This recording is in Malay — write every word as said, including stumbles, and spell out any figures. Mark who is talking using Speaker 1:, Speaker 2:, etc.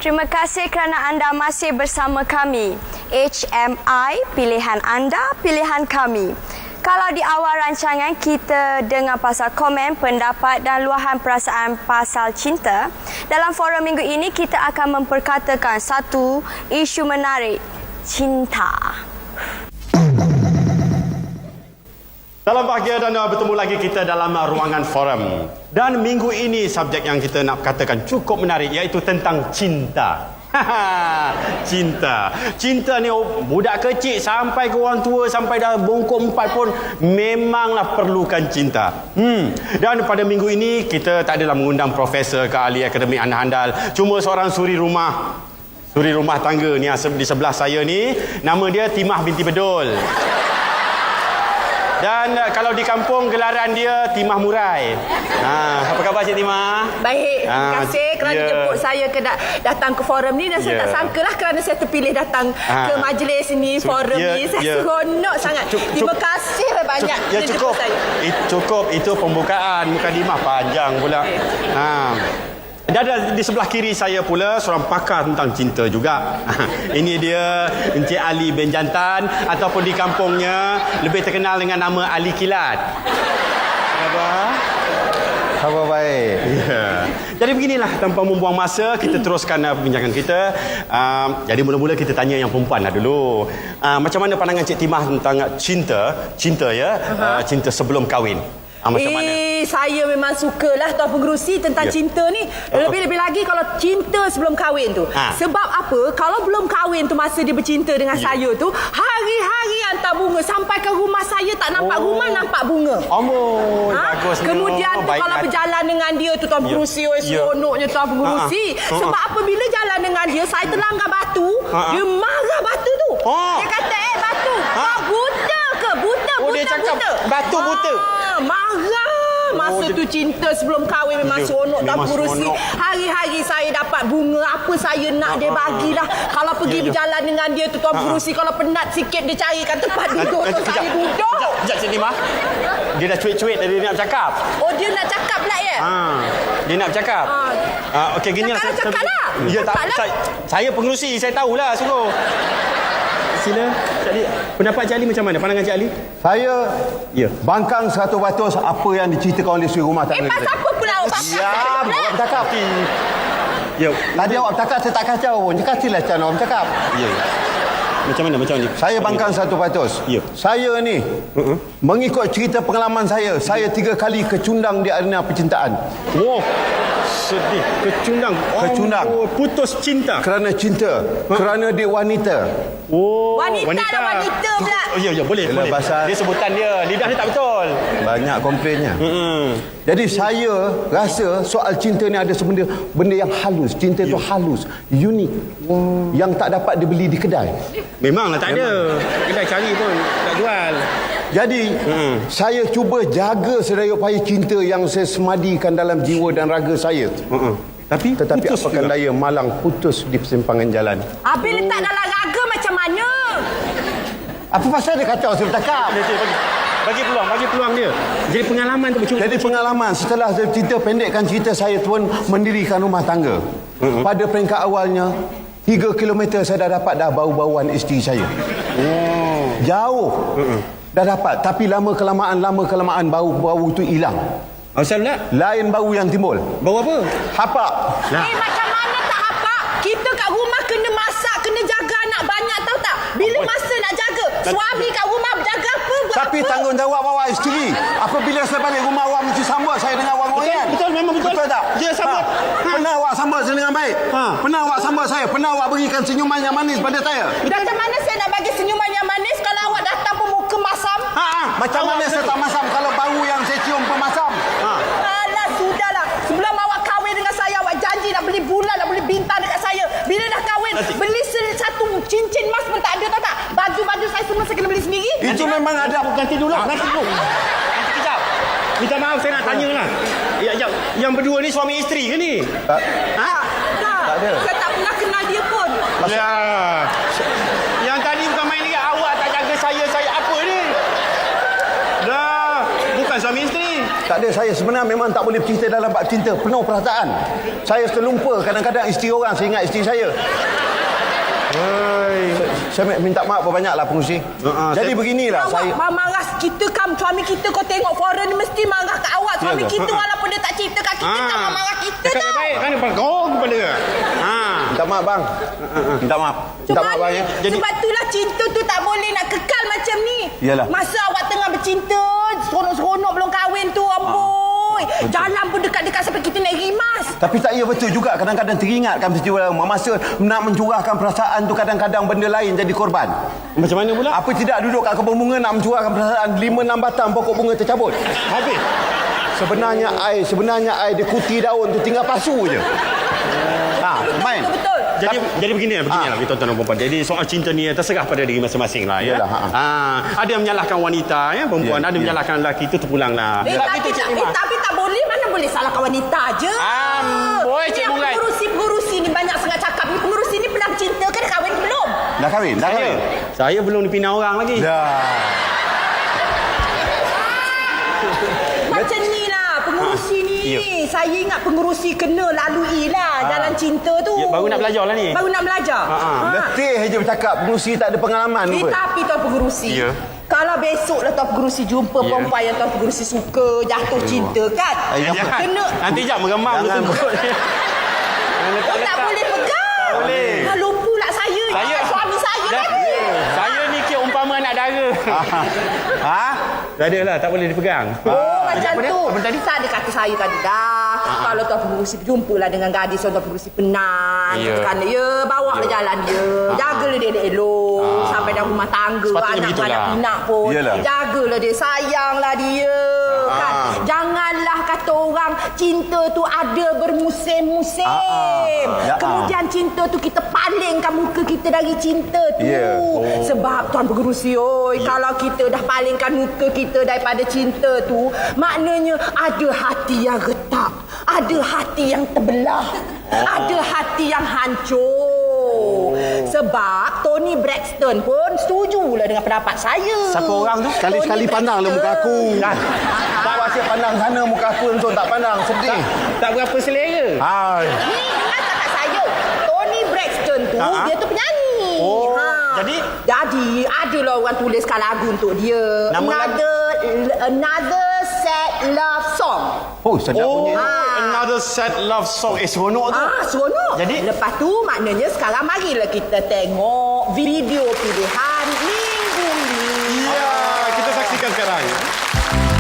Speaker 1: Terima kasih kerana anda masih bersama kami. H M I, pilihan anda, pilihan kami. Kalau di awal rancangan kita dengar pasal komen, pendapat dan luahan perasaan pasal cinta, dalam forum minggu ini kita akan memperkatakan satu isu menarik, cinta.
Speaker 2: Dalam bahagia dan bertemu lagi kita dalam ruangan forum. Dan minggu ini subjek yang kita nak katakan cukup menarik iaitu tentang cinta. Cinta. Cinta ni budak kecil sampai ke orang tua sampai dah bongkok empat pun memanglah perlukan cinta. Hmm. Dan pada minggu ini kita tak adalah mengundang profesor ke ahli akademik handal, cuma seorang suri rumah. Suri rumah tangga ni di sebelah saya ni, nama dia Timah binti Bedul. Dan uh, kalau di kampung gelaran dia Timah Murai. Ha, apa khabar Cik Timah?
Speaker 3: Baik, terima ha, kasih kerana yeah. jemput saya ke da- datang ke forum ni dan saya yeah. tak sangkalah kerana saya terpilih datang ha. ke majlis ni, forum yeah, ni. Saya yeah. seronok sangat. Cuk, cuk, terima kasih banyak
Speaker 2: cuk, ya, cukup. Saya. It, cukup, itu pembukaan. Mukadimah panjang pula. Okay. Ha. Dan ada di sebelah kiri saya pula seorang pakar tentang cinta juga. Ini dia Encik Ali bin Jantan ataupun di kampungnya lebih terkenal dengan nama Ali Kilat. Khabar?
Speaker 4: Khabar baik.
Speaker 2: Ya. Jadi beginilah, tanpa membuang masa kita teruskan uh, perbincangan kita. Uh, jadi mula-mula kita tanya yang perempuan lah dulu. Uh, macam mana pandangan Cik Timah tentang cinta, cinta ya, uh-huh. uh, cinta sebelum kahwin? Ah, macam
Speaker 3: eh,
Speaker 2: mana?
Speaker 3: Saya memang sukalah Tuan Pengerusi tentang yeah. cinta ni. Lebih-lebih lagi kalau cinta sebelum kahwin tu. Ha. Sebab apa? Kalau belum kahwin tu, masa dia bercinta dengan yeah. saya tu, hari-hari hantar bunga. Sampai ke rumah saya tak nampak oh. rumah, nampak bunga.
Speaker 2: Oh, ha? Bagus.
Speaker 3: Kemudian tu kalau berjalan dengan dia tu Tuan Pengerusi, yeah. seronoknya Tuan Pengerusi. Ha-ha. Sebab ha-ha. apabila jalan dengan dia, saya terlanggar batu, ha-ha. dia marah batu tu. Oh. Dia kata, eh batu, ha. kau buta ke? Buta,
Speaker 2: oh,
Speaker 3: buta,
Speaker 2: dia cakap
Speaker 3: buta.
Speaker 2: Batu buta.
Speaker 3: Ha, marah. Masa tu cinta sebelum kahwin memang ya, seronok dan Pengerusi. Hari-hari saya dapat bunga, apa saya nak dia bagilah. Kalau pergi ya, ya. berjalan dengan dia tu Tuan Pengerusi, kalau penat sikit dia carikan tempat duduk tu saya duduk.
Speaker 2: Sekejap Cik Timah. Dia dah cuit-cuit tadi dia nak bercakap.
Speaker 3: Oh, dia nak cakap pula ya?
Speaker 2: Ha, dia nak bercakap. Ha. Ha, okey gini lah.
Speaker 3: Cakap lah.
Speaker 2: Ya tak, saya, saya Pengerusi, saya tahulah suruh. Sila, Cik Ali. Pendapat Cik Ali macam mana? Pandangan Cik Ali?
Speaker 4: Saya ya. bangkang seratus peratus apa yang diceritakan oleh suri rumah tangga.
Speaker 3: Eh, pasal apa pula awak bangkang?
Speaker 4: Ya, awak bercakap.
Speaker 2: Ya.
Speaker 4: Tadi awak bercakap, saya tak kacau pun. Kasihlah cara awak bercakap.
Speaker 2: Ya. Macam mana? Macam mana?
Speaker 4: Saya bangkang seratus peratus. Ya. Saya ni, uh-huh. mengikut cerita pengalaman saya, saya tiga kali kecundang di arena percintaan.
Speaker 2: Wow. Sedih. Kecundang.
Speaker 4: Kecundang.
Speaker 2: Oh, putus cinta.
Speaker 4: Kerana cinta. Ha? Kerana dia wanita.
Speaker 2: Oh.
Speaker 3: Wanita, wanita. lah wanita pula.
Speaker 2: Oh, ya, ya, boleh. boleh.
Speaker 4: Bahasa...
Speaker 2: Dia sebutan dia. Lidah dia tak betul.
Speaker 4: Banyak komplainnya.
Speaker 2: Hmm.
Speaker 4: Jadi saya rasa soal cinta ni ada sebenarnya benda yang halus. Cinta itu ya. halus. Unik. Wow. Yang tak dapat dibeli di kedai.
Speaker 2: Memanglah tak Memang. ada. Kedai cari pun tak jual.
Speaker 4: Jadi hmm. saya cuba jaga sedaya upaya cinta yang saya semadikan dalam jiwa dan raga saya. Hmm. Tapi tetapi apakan daya malang putus di persimpangan jalan.
Speaker 3: Habis oh. letak dalam raga macam mana?
Speaker 4: Apa pasal dia kacau saya bercakap?
Speaker 2: Bagi, bagi peluang, bagi peluang dia. Jadi pengalaman tu bercuba.
Speaker 4: Jadi pengalaman setelah saya cerita pendekkan cerita saya pun mendirikan rumah tangga. Hmm. Pada peringkat awalnya tiga kilometer saya dah dapat dah bau-bauan isteri saya. Oh. Jauh. Hmm. Dah dapat, tapi lama kelamaan lama kelamaan bau-bau tu hilang.
Speaker 2: Asal pula?
Speaker 4: Lain bau yang timbul.
Speaker 2: Bau apa?
Speaker 4: Hapak.
Speaker 3: Nah. Eh macam mana tak hapak? Kita kat rumah kena masak, kena jaga anak banyak tahu tak? Bila masa nak jaga, suami kat rumah berjaga apa? Buat
Speaker 4: tapi
Speaker 3: apa?
Speaker 4: Tanggungjawab awak isteri. Apabila saya balik rumah awak mesti sambut saya dengan wang-wangan.
Speaker 2: Betul, betul, memang betul.
Speaker 4: Betul tak?
Speaker 2: Ya, sambut. Ha.
Speaker 4: Ha. Pernah awak sambut saya dengan baik? Ha. Pernah awak sambut saya? Pernah awak berikan senyuman yang manis pada saya?
Speaker 3: Macam mana saya nak bagi senyuman yang manis kalau awak datang pun muka masam?
Speaker 4: Ha. Macam awak mana saya tak masam kalau bau yang saya cium pun masam? Ha.
Speaker 3: Alah, sudahlah. Sebelum awak kahwin dengan saya, awak janji nak beli bulan, nak beli bintang dekat saya. Bila dah kahwin, nanti. beli satu cincin emas pun tak ada, tahu tak? Baju-baju saya semua saya kena beli sendiri.
Speaker 4: Itu nanti, memang ada.
Speaker 2: Ganti dulu.
Speaker 4: Ha.
Speaker 2: Ganti dulu. Nanti kejap. Minta maaf saya nak tanya lah. Ya, yang, yang berdua ni suami isteri ke ni?
Speaker 4: Tak.
Speaker 3: Ha? Tak. Tak ada. Saya tak pernah kenal dia pun.
Speaker 2: Ya. Yang tadi bukan main lagi. Awak tak jaga saya. Saya apa ni? Dah. Bukan suami isteri.
Speaker 4: Tak ada, saya sebenarnya memang tak boleh bercerita dalam bab cinta. Penuh perasaan. Saya terlupa kadang-kadang isteri orang, saya ingat isteri saya. Hai. Saya minta maaf banyaklah pengurusi. Uh-huh, Jadi saya... beginilah
Speaker 3: awak
Speaker 4: saya.
Speaker 3: Awak marah kita kan, suami kita kau tengok foreign ni mesti marah kat awak. Suami ya, kita walaupun dia tak cerita kat kita, ha. tak marah kita
Speaker 2: tau. Cakap baik kan bergong kepada dia. Ha.
Speaker 4: Minta maaf bang. Minta maaf. Minta maaf bang ya.
Speaker 3: Jadi sebab itulah cinta tu tak boleh nak kekal macam ni.
Speaker 4: Yalah.
Speaker 3: Masa awak tengah bercinta, seronok-seronok belum kahwin tu, ampun. Ha. Jalan pun dekat-dekat sampai kita naik rimas.
Speaker 4: Tapi tak, ya betul juga. Kadang-kadang teringatkan peristiwa lama. Masa nak mencurahkan perasaan tu, kadang-kadang benda lain jadi korban.
Speaker 2: Macam mana pula?
Speaker 4: Apa tidak duduk kat kebun bunga nak mencurahkan perasaan, lima enam batang pokok bunga tercabut.
Speaker 2: Habis.
Speaker 4: Sebenarnya air, sebenarnya air dia kuti daun tu, tinggal pasu je. Ha, main.
Speaker 3: Betul, betul.
Speaker 2: Jadi Tapi, jadi begini beginilah kita tuan-tuan dan puan. Jadi soal cinta ni terserah pada diri masing-masing lah ya.
Speaker 4: Yalah, ha.
Speaker 2: ha. Ada yang menyalahkan wanita ya, perempuan,
Speaker 4: ya,
Speaker 2: ada yang
Speaker 4: ya.
Speaker 2: menyalahkan lelaki, itu terpulanglah.
Speaker 3: Eh,
Speaker 2: Ya.
Speaker 3: tapi, tapi, eh, tapi tak boleh, mana boleh salahkan wanita je.
Speaker 2: Ah, boleh Cik Murai.
Speaker 3: Pengurusi-pengurusi ni banyak sangat cakap ni. Pengurusi ni pernah bercinta ke, dah kahwin ke belum?
Speaker 4: Dah kahwin? Dah kahwin?
Speaker 2: Saya belum dipinang orang lagi.
Speaker 4: Dah.
Speaker 3: Macam ni lah pengurusi ni.
Speaker 2: Ya.
Speaker 3: Saya ingat pengurusi kena lalui lah
Speaker 2: Ha.
Speaker 3: jalan cinta tu.
Speaker 2: Ya, baru nak belajar lah ni.
Speaker 3: Baru nak belajar.
Speaker 2: Ha, ha.
Speaker 4: Letih je bercakap. Pengurusi tak ada pengalaman
Speaker 3: Eh,
Speaker 4: pun.
Speaker 3: tapi tuan pengurusi,
Speaker 2: Ya.
Speaker 3: kalau besok lah tuan pengurusi jumpa
Speaker 2: Ya.
Speaker 3: perempuan yang tuan pengurusi suka, jatuh cinta kan,
Speaker 4: Eh,
Speaker 2: Eh, jangan.
Speaker 3: kena.
Speaker 2: Nanti jap meremang
Speaker 4: Jangan.
Speaker 2: betul.
Speaker 3: Oh, tak boleh pegang.
Speaker 2: Tak boleh.
Speaker 3: Ha, lupa pula saya.
Speaker 2: Saya
Speaker 3: Ah, suami saya
Speaker 2: Dah-
Speaker 3: lagi.
Speaker 2: Saya ni kira umpama anak dara.
Speaker 4: Ha?
Speaker 2: Dah ada lah, tak boleh dipegang.
Speaker 3: Oh, macam
Speaker 2: apa dia?
Speaker 3: tu.
Speaker 2: Apa tadi?
Speaker 3: Tak ada kata saya tadi dah. Kalau tuan pengurusi jumpalah dengan gadis tuan pengurusi penat.
Speaker 2: Ya.
Speaker 3: Kan ya, bawa lah jalan dia. Jagalah dia elok sampai dah rumah tangga,
Speaker 2: Sepatutnya
Speaker 3: anak
Speaker 2: begitulah.
Speaker 3: anak pinak pun.
Speaker 4: Yalah.
Speaker 3: Jagalah dia, sayanglah dia. Kan? Janganlah kata orang cinta tu ada bermusim-musim.
Speaker 4: Ya.
Speaker 3: Kemudian cinta tu kita palingkan muka kita dari cinta tu.
Speaker 4: Ya.
Speaker 2: Oh.
Speaker 3: Sebab tuan pengerusi, oi, kalau kita dah palingkan muka kita daripada cinta tu, maknanya ada hati yang retak, ada hati yang terbelah, ada hati yang hancur. Sebab Tony Braxton pun setujulah dengan pendapat saya.
Speaker 2: Siapa orang tu?
Speaker 4: Sekali-sekali
Speaker 3: Tony
Speaker 4: pandanglah muka aku.
Speaker 2: Dah.
Speaker 4: Tak asyik pandang sana muka aku langsung tak pandang. Sedih.
Speaker 2: Tak berapa selera.
Speaker 4: Hai.
Speaker 3: Ni dengar tak kat saya. Tony Braxton tu,
Speaker 2: Ha-ha.
Speaker 3: dia tu penyanyi.
Speaker 2: Oh, jadi?
Speaker 3: Jadi, adalah orang tuliskan lagu untuk dia.
Speaker 2: Nama
Speaker 3: another, another sad love song.
Speaker 4: Oh, sedap
Speaker 2: Oh,
Speaker 4: bunyi.
Speaker 2: another sad love song. Eh, seronok tu.
Speaker 3: Ah, seronok.
Speaker 2: Jadi?
Speaker 3: Lepas tu, maknanya sekarang marilah kita tengok video pilihan minggu ni.
Speaker 2: Ya, kita saksikan sekarang.